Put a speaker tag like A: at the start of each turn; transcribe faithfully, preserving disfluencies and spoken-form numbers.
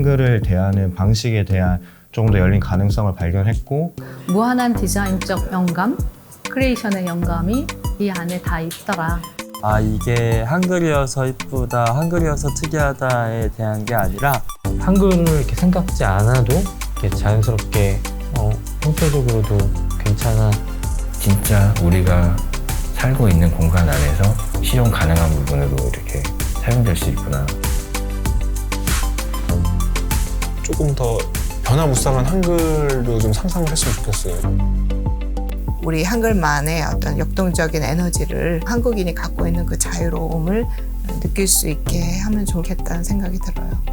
A: 한글을 대하는 방식에 대한 조금 더 열린 가능성을 발견했고,
B: 무한한 디자인적 영감, 크리에이션의 영감이 이 안에 다 있더라.
C: 아, 이게 한글이어서 이쁘다, 한글이어서 특이하다에 대한 게 아니라
D: 한글을 이렇게 생각지 않아도 이렇게 자연스럽게 어, 형태적으로도 괜찮아.
E: 진짜 우리가 살고 있는 공간 안에서 실용 가능한 부분으로 이렇게 사용될 수 있구나.
F: 조금 더 변화무쌍한 한글로 좀 상상을 했으면 좋겠어요.
G: 우리 한글만의 어떤 역동적인 에너지를 한국인이 갖고 있는 그 자유로움을 느낄 수 있게 하면 좋겠다는 생각이 들어요.